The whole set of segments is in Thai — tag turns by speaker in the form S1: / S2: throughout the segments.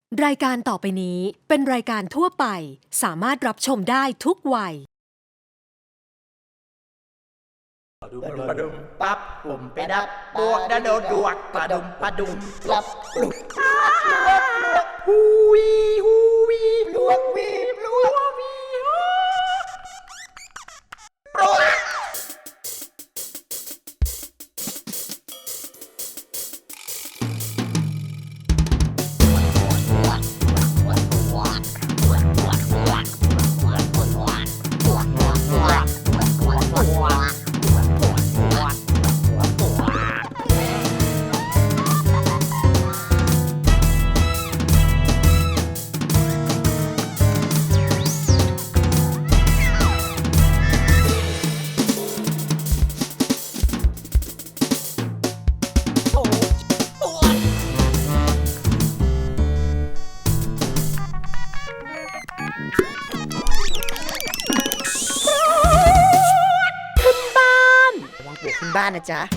S1: รายการต่อไปนี้เป็นรายการทั่วไปสามารถรับชมได้ทุกวัย
S2: ปะดุมปั๊บผมไปดับบวกดะโดดดวกปะดุมรับปลุกฮูวีปลวกวีปลวกวีปลวกขึ้นบ้านนะจ๊ะ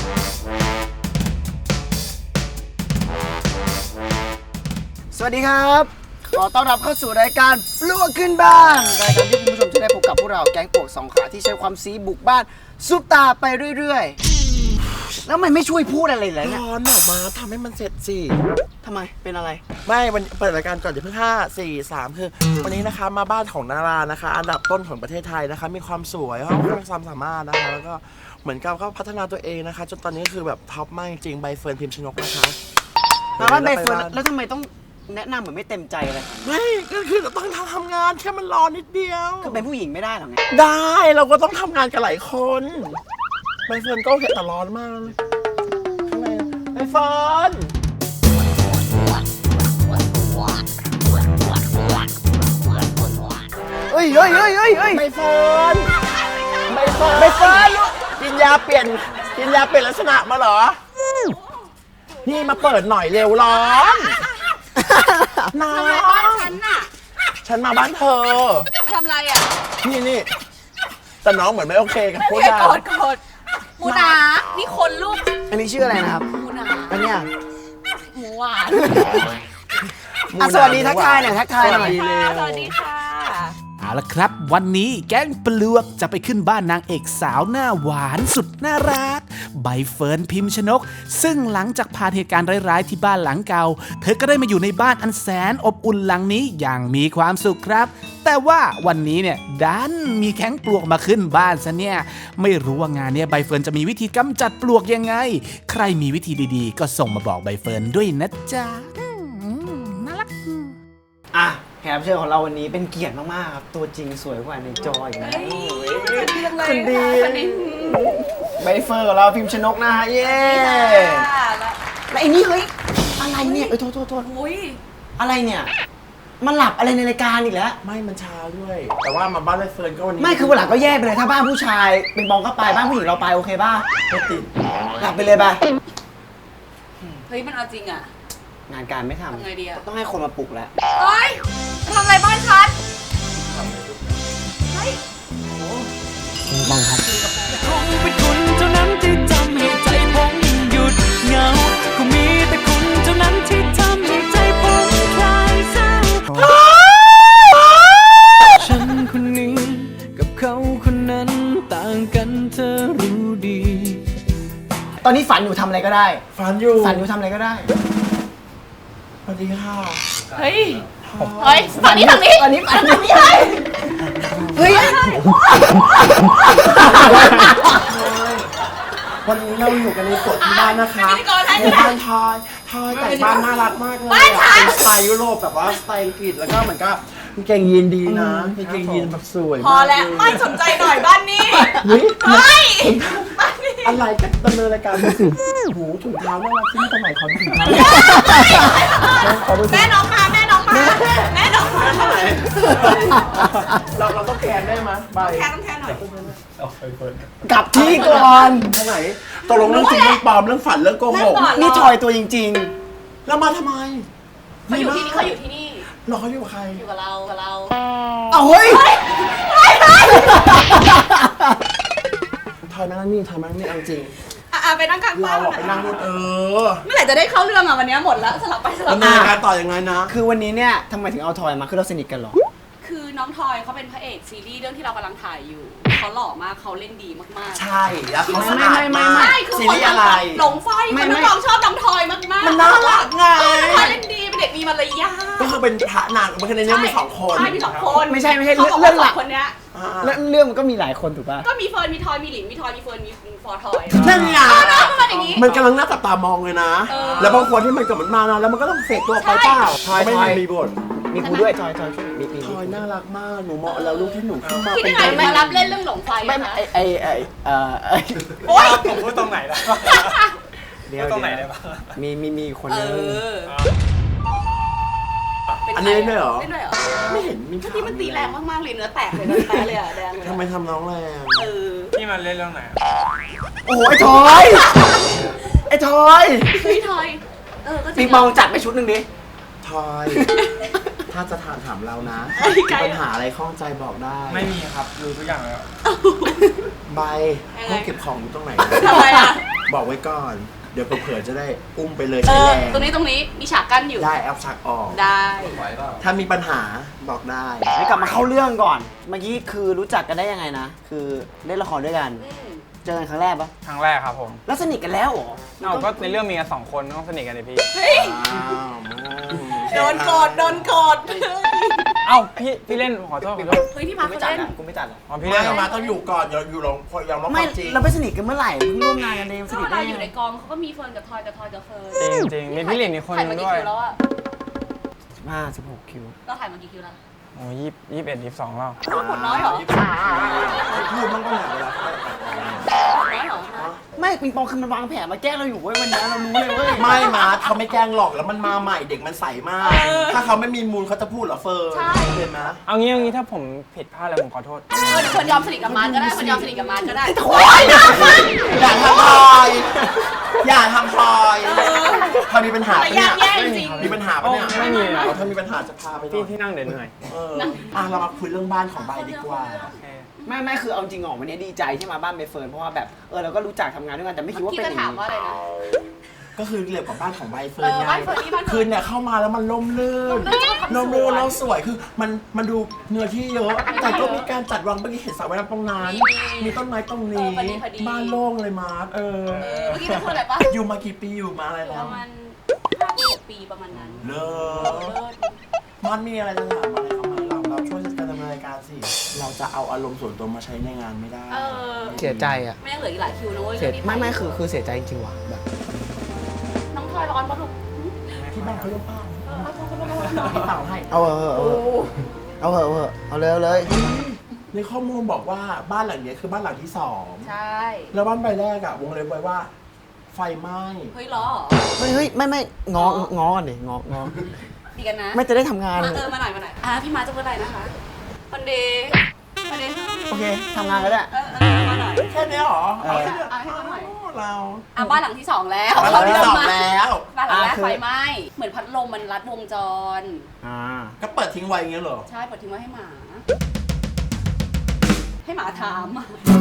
S3: สวัสดีครับขอต้อนรับเข้าสู่รายการปลวกขึ้นบ้านรายการที่คุณผู้ชมจะได้พบกับพวกเราแก๊งปลวกสองขาที่ใช้ความซีบุกบ้านซุปตาไปเรื่อยๆแล้วมันไม่ช่วยพูดอะไรเลยเนี่ย
S2: ร้อนออกมาทำให้มันเสร็จสิ
S3: ทำไมเป็นอะไร
S2: ไม่วันเปิดรายการก่อนเดี๋ยวเพิ่ง5 4 3คือวันนี้นะคะมาบ้านของนารานะคะอันดับต้นของประเทศไทยนะคะมีความสวยเขามีความสามารถนะคะแล้วก็เหมือนกับเขาพัฒนาตัวเองนะคะจนตอนนี้คือแบบท็อปมากจริงใบเฟิร์นพิมพ์ชนกนะคะ
S3: มาบ้านใบเฟิร์นแล้วทำไมต้องแนะนำเหมือนไม่เต็มใจเลย
S2: ไม่ก็คือเราต้องทำงานแค่มันรอนิดเดียว
S3: คือเป็นผู้หญิงไม่ได้หรอไง
S2: ได้เราก็ต้องทำงานกับหลายคนใบเฟิร์นก็โอเคแต่ร้อนมากทำไมใบเฟิร์น
S3: เฮ้ย
S2: ใบเฟิร์นกินยาเปลี่ยนลักษณะมาเหรอนี่มาเปิดหน่อยเร็วร้อนน้องบ้านฉันน่ะฉันมาบ้านเธอ
S4: มาทำอะไรอ่ะ
S2: นี่แต่น้องเหมือนไม่โอเคกับพวกเรา
S4: กดหมูหนานี่คนลูก
S3: อันนี้ชื่ออะไรนะครับ
S4: หมูหนา
S3: อันเนี้ย
S4: หมูหวาน
S3: สวัสดีทักทายหน่อยทักทายหน่อย
S4: สวัสดีค่ะ
S5: เอาละครับวันนี้แก๊งปลวกจะไปขึ้นบ้านนางเอกสาวหน้าหวานสุดน่ารักใบเฟิร์นพิมพ์ชนกซึ่งหลังจากผ่านเหตุการณ์ร้ายๆที่บ้านหลังเก่าเธอก็ได้มาอยู่ในบ้านอันแสนอบอุ่นหลังนี้อย่างมีความสุขครับแต่ว่าวันนี้เนี่ยดันมีแก๊งปลวกมาขึ้นบ้านซะเนี่ยไม่รู้ว่างานเนี้ยใบเฟิร์นจะมีวิธีกำจัดปลวกยังไงใครมีวิธีดีๆก็ส่งมาบอกใบเฟิร์นด้วยนะจ๊ะน่ารัก
S3: อ่ะแขกรับเชิญของเราวันนี้เป็นเกียรติมากๆครับตัวจริงสวยกว่าในจออีกนะคุณดีใบเฟิร์นของเราพิมพ์ชนกนะฮะเย้แล้วไอ้นี่เฮ้ยอะไรเนี่ยโทษอะไรเนี่ยมันหลับอะไรในรายการอีกแล้ว
S2: ไม่มันช้าด้วย แต่ว่ามาบ้านใบเฟิร์นก็วันนี้
S3: ไม่คือวันหลังก็แยกไปเลยถ้าบ้านผู้ชายเป็นบองก็ไปบ้านผู้หญิงเราไปโอเคป่ะ
S2: ไม่ติด
S3: หลับไปเลยไป
S4: เฮ้ยมันเอาจริงอ่ะ
S3: งานการไม่ทำ
S4: ทำไงดีอะ
S3: ต้องให้คนมาปลุกแล้ว
S4: เฮ้ยทำอะไรบ้านฉันเฮ้ย
S3: บ้องครับ
S6: คงเป็นคุณเท่านั้นที่ทำให้ใจผมหยุดเหงาก็มีแต่คุณเท่านั้นที่ทำให้ใจผมคลายเศร้าฉันคนนี้กับเขาคนนั้นต่างกันเธอรู้ดี
S3: ตอนนี้ฝันอยู่ทำอะไรก็ได้
S2: ฝันอยู่
S3: ฝันอยู่ทำอะไรก็ได้
S2: สวัสดีค่ะ
S4: เฮ้ยฝั่งนี้
S3: ตอนนี้ฝันอยู่เฮ้ย
S2: วันนี้เราอยู่กันในสวนที่บ้านนะคะ
S4: พิธีกรให้
S2: ในบ้านทอยแต่งบ้านน่ารักมากเลยอะเป็นสไตล์ยุโรปแบบว่าสไตล์อังกฤษแล้วก็เหมือนก็กางเกงยีนดีนะกางเกงยีนแบบสวย
S4: พอแล้วไม่สนใจหน่อยบ้านนี้
S2: เฮ้ย
S4: เฮ้ยบ้านนี้
S2: อะไรกันดำเนินรายการดูสิหูถุงเท้าน่ารักที่สมัยเขาถุงเท้า
S4: แม่น้องมา
S2: เราต้องแคนได้ไหมใบ
S4: แทนหน่อย
S3: กลับที่ก่อน
S2: เท่าไหร่ตกลงเรื่องจริงเรื่องปลอมเรื่องฝันเรื่องโกหก
S3: นี่ทอยตัวจริง
S2: แล้วมาทำไม
S4: เขาอยู่ที่นี่
S2: รออยู่กับใคร
S4: อยู่กับเรา
S3: ๆเอาเฮ้ย
S2: ทอยมานั่นนี่ทอยมานั่นนี่เอาจริง
S4: อ่ะไปนั่งข้าง
S2: เรา
S4: บ้าน
S2: อะไปนั่งนู่น
S4: เมื่อไหร่จะได้เข้าเรื่องอะวันนี้หมดแล้วสลับไปสลั
S2: แล้
S4: บ
S2: ว
S4: มา
S2: ในการต่อยังไงนะ
S3: คือวันนี้เนี่ยทำไมถึงเอาทอยมาคือเราสนิทกันเหรอ
S4: คือน้องทอยเขาเป็นพระเอกซีรีส์เรื่องที่เรากำลังถ่ายอยู่เขาหล่อมากเขาเล่นดีมากๆ
S2: ใช่แล้วเขาสะ
S3: ไม่
S2: อาดมาก
S4: ใช่คือ
S2: ซี
S4: คน
S2: รีส์อะไร
S4: หลงไฟคนทั้งกองชอบน้องทอยมากๆ
S2: มันน่ารักไง
S4: น้องทอยเล่นดีเป็นเด็กมีมารยาท
S2: ก็คือเป็นพระนางมันคือในเรื่องมีสองคน
S4: ใช่มีสองคน
S3: ไม่ใช่
S4: เขาบอก
S3: เรื่
S4: ว่า
S3: องหลัก
S4: สคนเนี้ย
S2: อ่า
S3: แล้วเรื่องมันก็มีหลายคนถูกป่ะ
S4: ก็มีเฟิร์นมีทอยมีหลินมีทอยมีเฟิร์นมีฟอร์ทอย
S2: นั่นไง
S4: ประมาณอย่างนี้
S2: มันกำลังน่าจับตามองเลยนะ แล้วบางคนที่มันเกิดมันมานะแล้วมันก็ต้องเสกตัวออกไปเปล่า
S3: ใช่
S2: ไม่
S3: ใช่
S2: มีบท
S3: มีกูด้วยทอยมี
S2: ทอยน่ารักมากหนูเหมาะแล้วลูกที่หนูขึ้นมา
S4: คิด
S2: เป็น
S4: ยังไงมารับเล่นเรื่องหลงไฟ
S3: ไม่
S4: อะคะ
S3: โอ๊ย
S7: ผมพูดตรงไหนล่ะ
S3: เดี๋ยว
S7: พูดตรงไหนได้ปะ
S3: มีคน
S4: เอ
S3: นึง
S4: เป็น
S2: อันนี้เล่นด้วยเหรอ
S4: เล่นด้วยเหรอ
S2: ไม่เห็นมี
S4: เมื่อกี้มันตีแรงมากๆเลยเนื้อแตกเลยเนื้อแตกเลยอะแดงเลย
S2: ทำไมทำน้องแรง
S7: พี่มาเล่นเรื่องไหนอะ
S3: โอ้โหไอ้ทอยไอ้ทอย
S4: พี่ทอยก็จริ
S3: ปิงปองจัดไปชุดหนึ่งดิ
S2: ทอย ถ้าจะถามเรานะ
S4: ไกล
S2: ปัญหาอะไรข้องใจบอกได้
S7: ไม่มีครับรู้ทุกอย่างแล้ว
S2: ใบห้องเก็บของอยู่ตรงไหน
S4: ทำไมอะ
S2: บอกไว้ก่อน เดี๋ยวเผื่อๆจะได้อุ้มไปเลย
S4: เอ
S2: ใช้
S4: อ
S2: แรง
S4: ตรงนี้มีฉากกั้นอยู่
S2: ได้แอปชักออก
S4: ได้
S2: ถ้ามีปัญหาบอกได้
S3: ให้กลับมาเข้าเรื่องก่อน เมื่อกี้คือรู้จักกันได้ยังไงนะ คือเล่นละครด้วยกัน เจอกันครั้งแรกปะ
S7: ครั้งแรกครับผม
S3: แล้วสนิทกันแล้วเหรอ
S7: เอาก็ในเรื่องมีกัน2 คนต้องสนิทกันเลยพี่
S4: เฮ้ย โดนกด
S7: เอ้าพี่เล่นขอโทษ
S4: เฮ้ยพี่มา
S3: กูไม่
S4: เขา
S3: จัด
S4: เล่น
S3: อะกูไม่จัดอะ
S7: อ๋อพี่
S2: ไม่
S7: เล่นเหรอ
S2: มาต้องอยู่ก่อนอย่าอยู่ลองยอมรับค
S3: ไม่
S2: วามจริง
S3: เราไปสนิทกันเมื่อไหร่เพิ่งร่วมงานกันเองส
S4: ก็
S3: นิท
S4: เว
S3: ได้
S4: ลาอ
S3: ยั
S4: ยู่
S3: ง
S4: ใน
S3: ไง
S4: กองเขาก็มีเฟิร์นกับทอยกับเฟิร์น
S7: จริงมีพี่หลินอีกคนนึงด้วย
S4: ถ่ายมากี่คิวแล้วอะ
S3: 16 คิว
S4: เราถ่ายมากี่คิวแล้ว
S7: โอ้21 22แล้ว
S4: ผลน้อยเหรอ
S2: พูดมันก็หนาเวลา
S4: ผลน้อยเหรอ
S3: ไม่ปิงปองคือมันวางแผนมาแกล้งเราอยู่เว้ยวันนี้เรารู้เลยเว้ย
S2: ไม่มาเขาไม่แกล้งหรอกแล้วมันมาใหม่เด็กมันใสมาก ถ้าเขาไม่มีมูลเขาจะพูดเหรอเฟิร์นเห็นไหม
S7: เอางี้ถ้าผมผิดพลาดอะไรผมขอโทษ
S4: เดี๋ยวคนยอมสนิทกับมาร์ทก็ได้คนยอมสนิทกับมาร์ทก็ได้
S2: โอ๊ยอย่าทำพลอยอย่าทำพลอยพอมีปัญหา
S4: แต่
S2: ปะเนี่ย
S4: แย่จริง
S2: มีปัญหาปะเนี่ย
S7: ไม่มีนะ
S2: ถ้ามีปัญหาจะพาไปหน่
S7: พี่
S2: อย
S7: ที่นั่งเดี๋ยวเหนื่อย
S2: เรามาคุยเรื่องบ้านของใบดีกว่า
S3: ไม่คือเอาจริงออกวันนี้ดีใจที่มาบ้านใบเฟิร์นเพราะว่าแบบเราก็รู้จักทำงานด้วยกันแต่ไม่คิดว่า
S4: พี่
S3: เป็นอ
S4: จะ
S3: ย่าง
S4: ถาม
S3: นี้
S4: ว่าอะไรนะ
S2: ก็คือเกี่ยวกับบ้านของใบเฟิร์นไง
S4: บ้านเฟิร์นนี่บ้านเฟิร์น
S2: คืนเนี่ยเข้ามาแล้วมันล่มลื่น
S4: ล่มลื่น
S2: แล้วสวยคือมันดูเนื้อที่เยอะ แต่ก็มีการจัดวางเมื่อกี้เห็นสระว่ายน้ำตรงนั้น มีต้นไม้ตรงนี้
S4: พอดี
S2: บ้านโล่งเลยมาร์ท
S4: เมื่อกี้จะพูดอะไรปะ
S2: อยู่มากี่ปีอยู่มาอะไร
S4: ป
S2: แล้ว
S4: ระมาณ5 ปีประมาณนั้น
S2: เลิศมันมีอะไรจะถามอะไรเข้ามาเราช่วยกันดำเนินรายการสิ เราจะเอาอารมณ์ส่วนตัวมาใช้ในงานไม่ได้
S3: เสียใจอ่ะ
S4: ไม่ยังเหลืออีกหลายคิวนะเว้ย
S3: ไม่คือเสียใจจริงๆว่ะแบบ
S4: น้องทอยร้อนปะลูก
S2: ที่บ้านเขาเรียกป้าพี่เป่าให้
S3: เอาเลย
S2: ในข้อมูลบอกว่าบ้านหลังนี้คือบ้านหลังที่2
S4: ใช่
S2: แล้วบ้านใบแรกอะวงเล็บไว้ว่า ไฟไหม้
S4: เฮ้ยล้อ
S3: เฮ้ยไม่ง้อกันดิง้อ
S4: ดีกันนะ
S3: ไม่จะได้ทำงาน
S4: มามาหน่อยพี่มาจะพูดอะไรนะคะวันเดย์
S3: โอเคทำงานก็ได้
S4: มาหน่อย
S2: แค่นี้เหรอ
S3: เออ
S4: ให้เขาหน่อย
S2: เรา
S4: บ้านหลังที่ 2 แล้ว
S2: บ้านหลังที่ 2 แล้ว
S4: บ้านหลังแรกไฟไหม้เหมือนพัดลมมันรัดวงจร
S2: ก็เปิดทิ้งไว้อย่างเงี้ยเหรอ
S4: ใช่เปิดทิ้งไว้ให้หมา ให้หมาถาม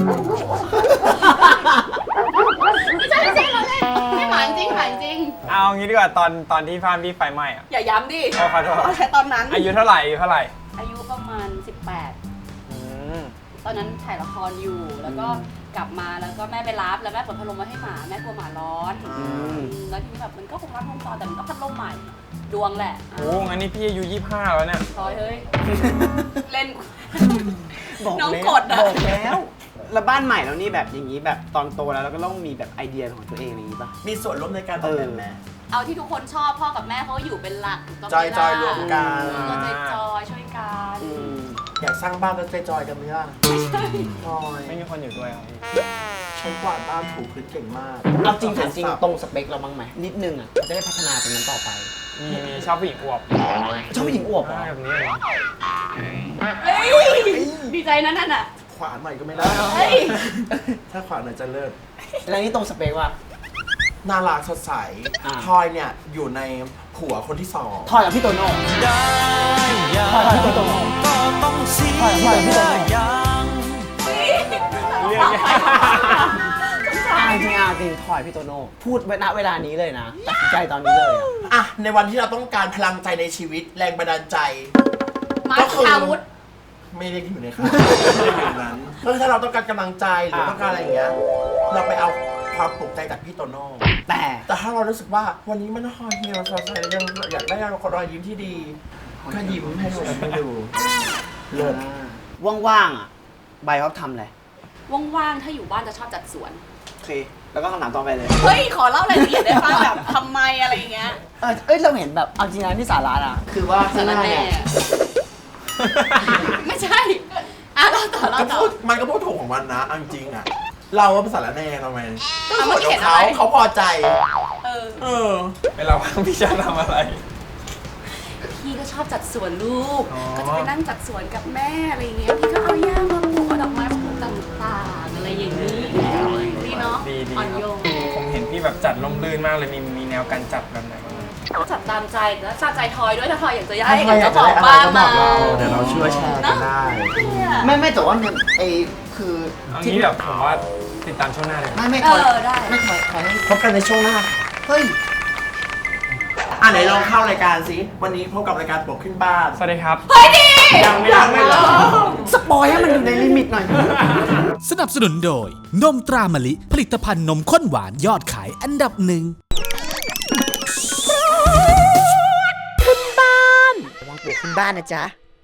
S4: ไม่ใช่เราเล่นให้หมาจริง
S7: เอางี้ดีกว่าตอนที่ฟ้านพี่ไฟไหม้อะ
S4: อย่าย้ำดิ
S7: ขอโทษ
S4: เอาแค่ตอนนั้น
S7: อายุเท่าไหร่
S4: อายุประมาณ
S7: อืม
S4: 18 ตอนนั้นถ่ายละครอยู่ แล้วก็กลับมาแล้วก็แม่ไปรับแล้วแม่เปิดพัดลมมาให้หมาแม่กลัวหมาร้อนแล้วทีนี้แบบมันก็คงรัดวงจรแต่มันก็พัดลมใหม่ดวงแหละ
S7: โอ้งั้นนี่พี่อายุ25แล้วเนี่ย
S4: พลอยเฮ้ย เล่น
S3: บอก
S4: น้อง
S3: แล้ว
S4: กดอะ
S3: บอกแล้วบ้านใหม่แล้วนี่แบบอย่างนี้แบบตอนโตแล้วเราก็ต้องมีแบบไอเดียของตัวเองอย่างนี้ป่ะ
S2: มีส่วนร่วมในการออกแบบไหม
S4: เอาที่ทุกคนชอบพ่อกับแม่เขาอยู่เป็นหลักถูกต้องไหม
S2: จอยๆรวมกัน
S4: จอยช่วยกัน
S2: อยากสร้างบ้านแล้วใจจอยกันไหมล่ะจอย
S7: ไม่มีคนอยู่ด้วยครับพี่
S2: ฉันกวาดบ้านถูพื้นเก่งมาก
S3: เอาจริงถามจริงตรงสเปคเราบ้างไหมนิดนึงอ่ะจะได้พัฒนาตรงนั้นต่อไป
S7: มีชอบผู้หญิงอวบ
S3: ชอบผู้หญิงอวบเหรอ
S7: แบบนี้เลย
S4: ดีใจนะนั่นอ่ะ
S2: ขวานหน่อยก็ไม่ได้
S4: เฮ้ย
S2: ถ้าขวานหน่อยจะเลิศ
S3: แล้วนี่ตรงสเปคว่า
S2: น่ารักสดใส ทอยเนี่ยอยู่ในผัวคนที่2
S3: ทอยกับพี่โตโน่ทอยกับพี่โตโน่ทอยกับพี่โตโน่
S7: เรื่องเนี้ย
S3: จริงถอยพี่โตโน่พูดณเวลานี้เลยนะตัดสินใจตอนนี้เลยอะ
S2: อ่ะในวันที่เราต้องการพลังใจในชีวิตแรงบันดาลใจ
S4: มา
S2: ก็คือ
S4: อาวุธ
S2: ไม่ได้อยู่ในค่ายไม่ได้อยู่นั้นก็คือถ้าเราต้องการกำลังใจหรือต้องการอะไรอย่างเงี้ยเราไปเอาความปลุกใจจากพี่โตโน่ แต่ถ้าเรารู้สึกว่าวันนี้มันห่อเหี่ยวสดใสยังอยากได้รอยยิ้มที่ดีก็ยิ้มให้ดูเลิศ
S3: ว่างๆอ่ะใบเขาทำอะไร
S4: ว่างๆ ถ้าอยู่บ้านจะชอบจัดสวน
S3: โอเค แล้วก็คำถามต่อไปเลย
S4: เฮ้ย ขอเล่ารายละเอียดได้ป่ะแบบทำไมอะไรอย่างเงี้ย
S3: เราเห็นแบบเอาจริงนะที่สาระอ่ะคือว่าข้างหน้าเนี่ย
S4: ไม่ใช่ อ่ะเราต่อ
S2: มันก็พูดถูกของมันนะเอาจริงๆอ่ะเราว่าภาษาละแน่ทำไม
S4: อ่ะเมื่อกี้เห็น
S2: เขา
S4: อะไร
S2: เขาพอใจ
S4: เออ
S2: เออ
S7: เวลาว่างพี่จะทำอะไร
S4: พี่ก็ชอบจัดสวนลูก
S7: อ๋อ
S4: ก็จะไปนั่งจัดสวนกับแม่อะไรอย่างเงี้ย พี่ก็เอาหญ้ามาปลูกเอาดอกไม้มาปลูกต่างๆอะไรอย่างนี้ดีเนาะ
S7: ดี
S4: อ่อนโยน
S7: ผมเห็นพี่แบบจัดร่มรื่นมากเลยมีแนวการจัดแบบไหนบ้าง
S4: จัดตามใจแล้วตามใจทอยด้วยถ้าทอยอยากจะย้า
S2: ถ้าย ใครอยากจะได้อะไรก็บอกเราเดี๋ยวเราช่วยแชร์กันได้
S3: ไม่แต่ว่ามันคือ
S7: เอางี้แบบผมว่าติดตามช่วงหน้าเลย
S3: ไม่
S4: เออได้
S3: ไม่ถอยให้
S2: พบกันในช่วงหน้า
S3: เฮ้ย
S2: ไหนลองเข้ารายการสิวันนี้พบกับรายการปลุกขึ้นบ้าน
S7: สวัสดีครับ
S2: ยังไม่ยังไม่เริ่ม
S3: สปอยให้มันอยู่ในลิมิตหน่อย
S5: สนับสนุนโดย นมตรามะลิ ผลิตภัณฑ์นมข้นหวานยอดขายอันดับหนึ่ง
S3: วางปลูกขึ้นบ้านนะจ๊ะ